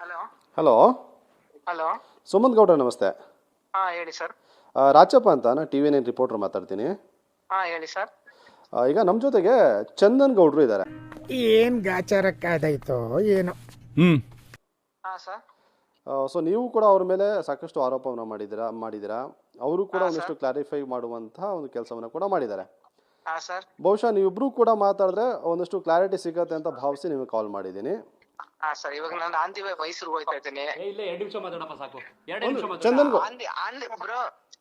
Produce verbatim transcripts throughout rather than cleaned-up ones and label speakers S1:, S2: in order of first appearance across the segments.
S1: Hello
S2: hello
S1: hello
S2: Sumanth ಗೌಡ್ರ ನಮಸ್ತೆ.
S1: ಹಾಂ ಹೇಳಿ ಸರ್.
S2: ರಾಜಪ್ಪ ಅಂತ ನಾನು ಟಿ ವಿ ನೈನ್ ರಿಪೋರ್ಟರ್ ಮಾತಾಡ್ತೀನಿ.
S1: ಹಾಂ ಹೇಳಿ ಸರ್.
S2: ಈಗ ನಮ್ಮ ಜೊತೆಗೆ ಚಂದನ್ ಗೌಡ್ರು ಇದ್ದಾರೆ.
S3: ಏನ್ ಗಾಚಾರಕ್ಕಾದಾಯ್ತೋ ಏನೋ.
S1: ಹ್ಮ್ ಹಾಂ ಸರ್.
S2: ಸೊ ನೀವು ಕೂಡ ಅವ್ರ ಮೇಲೆ ಸಾಕಷ್ಟು ಆರೋಪವನ್ನು ಮಾಡಿದ್ದೀರಾ ಮಾಡಿದ್ದೀರಾ ಅವರು ಕೂಡ ಒಂದಿಷ್ಟು ಕ್ಲಾರಿಫೈ ಮಾಡುವಂತಹ ಒಂದು ಕೆಲಸವನ್ನು ಕೂಡ ಮಾಡಿದ್ದಾರೆ.
S1: ಹಾಂ ಸರ್.
S2: ಬಹುಶಃ ನೀವಿಬ್ರು ಕೂಡ ಮಾತಾಡಿದ್ರೆ ಒಂದಿಷ್ಟು ಕ್ಲಾರಿಟಿ ಸಿಗತ್ತೆ ಅಂತ ಭಾವಿಸಿ ನಿಮಗೆ ಕಾಲ್ ಮಾಡಿದ್ದೀನಿ.
S1: ಹಾಂ ಸರ್, ಇವಾಗ ನಾನು ಆಂದಿ ಮೈಸೂರಿಗೆ ಹೋಗ್ತಾ ಇದ್ದೀನಿ.
S4: ಇಲ್ಲ ಎರಡು ನಿಮಿಷ ಮಾತಾಡಪ್ಪ ಸಾಕು. ಎರಡು ನಿಮಿಷ ಮಾತಾಡ.
S2: ಚಂದನ್ ಗೌ
S1: ಆಂದಿ ಆಂದಿ ಬ್ರೋ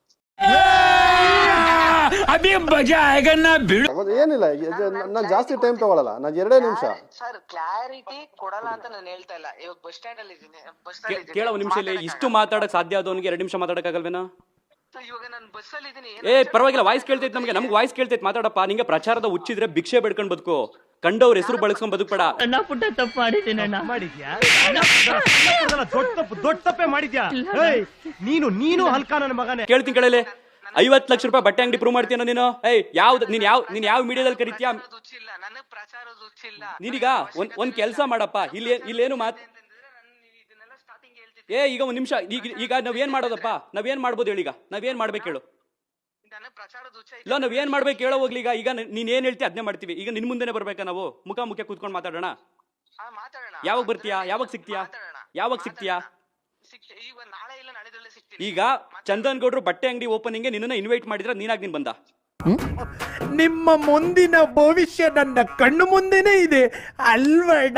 S4: ಅಭಿ ಮಜಾ ಆएगा ना ಬಿಡು.
S2: ಏನಿಲ್ಲ, ನಾನು ಜಾಸ್ತಿ ಟೈಮ್ ತಗೊಳ್ಳಲ್ಲ, ನಾನು ಎರಡೇ ನಿಮಿಷ.
S1: ಸರ್ ಕ್ಲಾರಿಟಿ ಕೊಡಲ್ಲ ಅಂತ ನಾನು ಹೇಳ್ತಾ ಇಲ್ಲ. ಇವಾಗ ಬಸ್ ಸ್ಟ್ಯಾಂಡ್ ಅಲ್ಲಿ ಇದ್ದೀನಿ. ಬಸ್ ಸ್ಟ್ಯಾಂಡ್ ಇದ್ದೀನಿ.
S4: ಕೇಳೋ ನಿಮಿಷ ಇಲ್ಲಿ ಇಷ್ಟು ಮಾತಾಡಕ್ ಸಾಧ್ಯ ಆದವನಿಗೆ ಎರಡು ನಿಮಿಷ ಮಾತಾಡಕ್ ಆಗಲ್ವೇನೋ?
S1: ಇವಾಗ ನಾನು ಬಸ್ ಅಲ್ಲಿ ಇದ್ದೀನಿ.
S4: ಏ ಪರವಾಗಿಲ್ಲ, ವಾಯ್ಸ್ ಕೇಳ್ತೈತೆ ನಮ್ಗೆ. ನಮ್ಗೆ ವಾಯ್ಸ್ ಕೇಳ್ತೈತೆ, ಮಾತಾಡಪ್ಪ. ನಿಂಗೆ ಪ್ರಚಾರದ ಹುಚ್ಚಿದ್ರೆ ಭಿಕ್ಷೆ ಬೆಡ್ಕೊಂಡ್ ಬದುಕು, ಕಂಡವ್ರ ಹೆಸರು ಬಳಸ್ಕೊಂಡ್ ಬದುಕ್ಬೇಡ.
S5: ಅಣ್ಣ ಪುಟ್ಟ ತಪ್ಪು ಮಾಡಿದ್ದೀನಿ ಅಣ್ಣ.
S6: ಮಾಡಿದ್ಯಾ? ದೊಡ್ಡ ತಪ್ಪು ದೊಡ್ಡ ತಪ್ಪೇ ಮಾಡಿದ್ಯಾ? ನೀನು ನೀನು ಹಲ್ಕ ನನ್ನ ಮಗನೇ.
S4: ಕೇಳ್ತೀನಿ ಕೇಳಲೆ. ಐವತ್ತು ಲಕ್ಷ ರೂಪಾಯಿ ಬಟ್ಟೆ ಅಂಗಡಿ ಪ್ರೂವ್ ಮಾಡ್ತೀನ ನೀನು? ಏಯ್ ಯಾವ್ದು ನೀನ್ ಯಾವ ನೀನ್ ಯಾವ ಮೀಡಿಯಾದಲ್ಲಿ ಕರಿತೀಯಾ?
S1: ಹುಚ್ಚಿಲ್ಲ ನನಗೆ, ಪ್ರಚಾರದ ಹುಚ್ಚಿಲ್ಲ.
S4: ನೀನೀಗ ಒಂದ್ ಒಂದ್ ಕೆಲಸ ಮಾಡಪ್ಪ. ಇಲ್ಲಿ ಇಲ್ಲೇನು ಮಾತ್
S1: ಇದನ್ನೆಲ್ಲ ಸ್ಟಾರ್ಟಿಂಗ್ ಹೇಳ್ತಿದ್ದೆ.
S4: ಏ ಈಗ ಒಂದ್ ನಿಮಿಷ. ಈಗ ಈಗ ನಾವೇನ್ ಮಾಡೋದಪ್ಪ? ನಾವೇನ್ ಮಾಡ್ಬೋದು ಹೇಳಿ? ಈಗ ನಾವೇನ್ ಮಾಡ್ಬೇಕು ಹೇಳು?
S1: ನನಗೆ ಪ್ರಚಾರದ ಹುಚ್ಚ
S4: ಇಲ್ಲ ನಾವ್ ಏನ್ ಮಾಡ್ಬೇಕು ಹೇಳೋ ಹೋಗ್ಲಿ. ಈಗ ಈಗ ನೀನ್ ಏನ್ ಹೇಳ್ತಿ ಅದನ್ನೇ ಮಾಡ್ತೀವಿ. ಈಗ ನಿನ್ ಮುಂದೆನೆ ಬರ್ಬೇಕಾ? ನಾವು ಮುಖ ಮುಖ ಕೂತ್ಕೊಂಡು ಮಾತಾಡೋಣ.
S1: ಮಾತಾಡೋಣ.
S4: ಯಾವಾಗ ಬರ್ತೀಯಾ? ಯಾವಾಗ ಸಿಗ್ತೀಯಾ? ಯಾವಾಗ ಸಿಗ್ತೀಯಾ?
S1: ಈಗ ನಾಳೆ ಇಲ್ಲ ನಾಳೆದಲ್ಲೇ ಸಿಗ್ತೀನಿ.
S4: ಈಗ ಚಂದನ್ ಗೌಡ್ರು ಬಟ್ಟೆ ಅಂಗಡಿ ಓಪನಿಂಗ್ ನಿನ್ನ ಇನ್ವೈಟ್ ಮಾಡಿದ್ರೆ ನೀನಾಗ್ ನೀನ್ ಬಂದ?
S3: ನಿಮ್ಮ ಮುಂದಿನ ಭವಿಷ್ಯ ನನ್ನ ಕಣ್ಣು ಮುಂದೆನೇ ಇದೆ ಅಲ್ವಡ.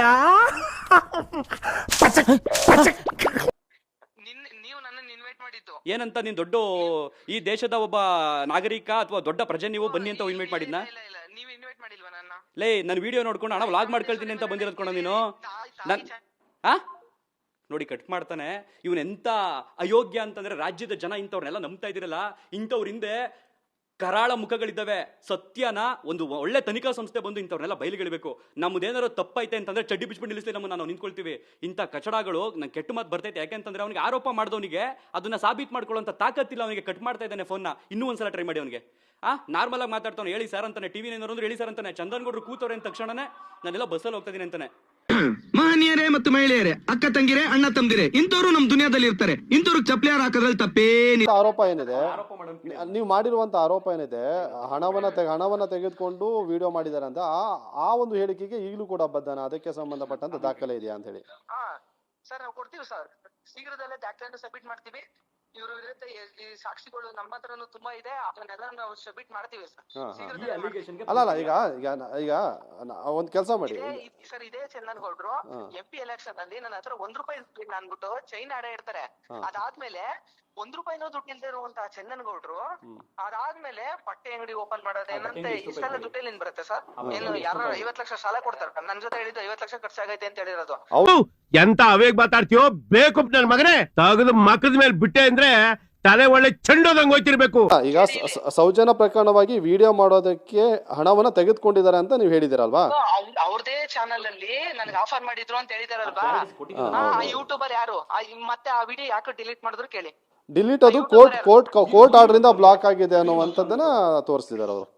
S1: ನೀವು ನನ್ನನ್ನು ಇನ್ವೈಟ್ ಮಾಡಿದ್ದು
S4: ಏನಂತ? ನೀನ್ ದೊಡ್ಡ ಈ ದೇಶದ ಒಬ್ಬ ನಾಗರಿಕ ಅಥವಾ ದೊಡ್ಡ ಪ್ರಜೆ, ನೀವು ಬನ್ನಿ ಅಂತ ಇನ್ವೈಟ್ ಮಾಡಿದ್ನ?
S1: ಇಲ್ಲ ಇಲ್ಲ ನೀವು ಇನ್ವೈಟ್ ಮಾಡಿಲ್ವಾ ನನ್ನ?
S4: ಲೇ ನನ್ ವಿಡಿಯೋ ನೋಡ್ಕೊಂಡು ಹಣ ವ್ಲಾಗ್ ಮಾಡ್ಕೊಳ್ತೀನಿ ಅಂತ ಬಂದಿರೋದ್ ಕೊಡ ನೀನು. ನನ್ ಆ ನೋಡಿ ಕಟ್ ಮಾಡ್ತಾನೆ ಇವನ್. ಎಂತ ಅಯೋಗ್ಯ ಅಂತಂದ್ರೆ ರಾಜ್ಯದ ಜನ ಇಂಥವ್ರನ್ನೆಲ್ಲ ನಂಬ್ತಾ ಇದಿರಲ್ಲ. ಇಂಥವ್ರ ಹಿಂದೆ ಕರಾಳ ಮುಖಗಳಿದ್ದಾವೆ. ಸತ್ಯನ ಒಂದು ಒಳ್ಳೆ ತನಿಖಾ ಸಂಸ್ಥೆ ಬಂದು ಇಂಥವ್ರನ್ನೆಲ್ಲ ಬಯಲಿಗೆಳಬೇಕು. ನಮ್ದೇನಾದ್ರು ತಪ್ಪೈತೆ ಅಂತಂದ್ರೆ ಚಡ್ಡಿ ಬಿಚ್ಬಿಟ್ಟು ನಿಲ್ಲಿಸ್ಲಿ ನಮ್ಮನ್ನ, ನಾವು ನಿಂತ್ಕೊಳ್ತೀವಿ. ಇಂಥ ಕಚಡಗಳು ನಂಗೆ ಕೆಟ್ಟ ಮಾತು ಬರ್ತೈತೆ. ಯಾಕೆಂತಂದ್ರೆ ಅವನಿಗೆ ಆರೋಪ ಮಾಡಿದವನಿಗೆ ಅದನ್ನ ಸಾಬೀತ್ ಮಾಡ್ಕೊಳ್ಳೋಂಥ ತಾಕತ್ತಿಲ್ಲ. ಅವನಿಗೆ ಕಟ್ ಮಾಡ್ತಾ ಇದ್ದಾನೆ ಫೋನ್ನ. ಇನ್ನೂ ಒಂದ್ಸಲ ಟ್ರೈ ಮಾಡಿ ಅವನಿಗೆ. ಆ ನಾರ್ಮಲ್ ಆಗಿ ಮಾತಾಡ್ತಾನೆ. ಹೇಳಿ ಸರ್ ಅಂತಾನೆ, ಟಿವಿ ಏನಾದ್ರು ಹೇಳಿ ಸರ್ ಅಂತಾನೆ. ಚಂದನ್ ಗೌಡ್ರು ಕೂತವ್ರೆ ಅಂದ ತಕ್ಷಣನೇ ನಾನೆಲ್ಲ ಬಸ್ಸಲ್ಲಿ ಹೋಗ್ತಾ ಇದೀನಿ ಅಂತಾನೆ.
S7: ಮಹನೀಯರೇ ಮತ್ತು ಮಹಿಳೆಯರೇ, ಅಕ್ಕ ತಂಗಿರೇ, ಅಣ್ಣ ತಮ್ದಿರೇ, ಇಂಥವ್ರು ನಮ್ ದುನಿಯಾದಲ್ಲಿ ಇರ್ತಾರೆ. ಇಂಥವ್ರು ಚಪ್ಲಿಯಾರ ಹಾಕೋದ್ರಲ್ಲಿ ತಪ್ಪೇನಿ.
S2: ಆರೋಪ ಏನಿದೆ, ನೀವು ಮಾಡಿರುವಂತ ಆರೋಪ ಏನಿದೆ, ಹಣವನ್ನ ಹಣವನ್ನ ತೆಗೆದುಕೊಂಡು ವಿಡಿಯೋ ಮಾಡಿದ್ದಾರೆ ಅಂತ, ಆ ಒಂದು ಹೇಳಿಕೆಗೆ ಈಗಲೂ ಕೂಡ ಬದ್ಧನ, ಅದಕ್ಕೆ ಸಂಬಂಧಪಟ್ಟಂತ ದಾಖಲೆ ಇದೆಯಾ ಅಂತ ಹೇಳಿ?
S1: ಹಾ ಸರ್, ನಾವು ಕೊಡ್ತೀವಿ ಸರ್. ಶೀಘ್ರದಲ್ಲೇ ದಾಖಲೆಯನ್ನು ಸಬ್ಮಿಟ್ ಮಾಡ್ತೀವಿ. ಇವರು ವಿರುದ್ಧ ಈ ಸಾಕ್ಷಿಗಳು ನಮ್ಮ ಹತ್ರನೂ ತುಂಬಾ ಇದೆ. ಅದನ್ನೆಲ್ಲ ನಾವು ಸಬ್ಮಿಟ್ ಮಾಡ್ತೀವಿ ಸರ್.
S2: ಅಲ್ಲ ಅಲ್ಲ ಈಗ ಈಗ ಈಗ ಒಂದ್ ಕೆಲಸ ಮಾಡಿ
S1: ಸರ್. ಇದೇ ಚಂದನ್ ಗೌಡ್ರು ಎಂ ಪಿ ಎಲೆಕ್ಷನ್ ಅಲ್ಲಿ ನನ್ನ ಹತ್ರ ಒಂದ್ ರೂಪಾಯಿ ಅನ್ಬಿಟ್ಟು ಚೈನ್ ಆಡ ಇರ್ತಾರೆ. ಅದಾದ್ಮೇಲೆ ಒಂದ್ ರೂಪಾಯಿನೂ ದುಡ್ಡು ಇಲ್ದೇ ಇರುವಂತಹ ಚಂದನ್ ಗೌಡ್ರು ಅದಾದ್ಮೇಲೆ ಬಟ್ಟೆ ಅಂಗಡಿ ಓಪನ್ ಮಾಡೋದೇನಂತೆ ಇಷ್ಟೆಲ್ಲ ದುಡ್ಡು ಏನ್ ಬರುತ್ತೆ ಸರ್? ಏನು ಯಾರು ಐವತ್ ಲಕ್ಷ ಸಾಲ ಕೊಡ್ತಾರ? ನನ್ ಜೊತೆ ಹೇಳಿದ್ದು ಐವತ್ ಲಕ್ಷ ಖರ್ಚಾಗೈತೆ ಅಂತ ಹೇಳಿರೋದು.
S6: ಎಂತ ಅವೇಗ್ ಮಾತಾಡ್ತೀಯೋ ಬೇಕು ನನ್ ಮಗನೇ. ತಗದು ಮಕ್ಕದ ಮೇಲೆ ಬಿಟ್ಟೆ ಅಂದ್ರೆ ತಲೆ ಒಳ್ಳೆ ಚೆಂಡೋದಂಗ್ ಹೋಯ್ತಿರ್ಬೇಕು.
S2: ಈಗ ಸೌಜನ್ಯ ಪ್ರಕರಣವಾಗಿ ವಿಡಿಯೋ ಮಾಡೋದಕ್ಕೆ ಹಣವನ್ನ ತೆಗೆದುಕೊಂಡಿದ್ದಾರೆ ಅಂತ ನೀವು ಹೇಳಿದಿರಲ್ವಾ?
S1: ಅವ್ರದೇ ಚಾನಲ್ ಅಲ್ಲಿ ನನಗೆ ಆಫರ್ ಮಾಡಿದ್ರು ಅಂತ ಹೇಳಿದಾರಲ್ವಾ? ಯೂಟ್ಯೂಬರ್ ಯಾರು? ಮತ್ತೆ ಆ ವಿಡಿಯೋ ಯಾಕೆ ಡಿಲೀಟ್ ಮಾಡಿದ್ರು ಕೇಳಿ.
S2: ಡಿಲೀಟ್ ಅದು ಕೋರ್ಟ್ ಕೋರ್ಟ್ ಕೋರ್ಟ್ ಆರ್ಡರ್ ಇಂದ ಬ್ಲಾಕ್ ಆಗಿದೆ ಅನ್ನುವಂಥದ್ದನ್ನ ತೋರಿಸ್ತಿದ್ದಾರೆ ಅವರು.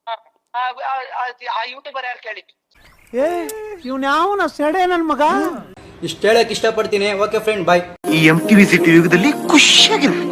S1: ಆ ಯೂಟ್ಯೂಬರ್ ಯಾರು ಕೇಳಿ.
S3: ಏ ಇವ್ನ ಯಾವನ ಸೆಡೆ ನನ್ ಮಗ.
S8: ಇಷ್ಟ ಹೇಳಕ್ ಇಷ್ಟಪಡ್ತೀನಿ. Okay friend, bye.
S7: ಈ ಎಂ ಟಿವಿ ಸಿಟಿ ಯುಗದಲ್ಲಿ ಖುಷಿಯಾಗಿರು.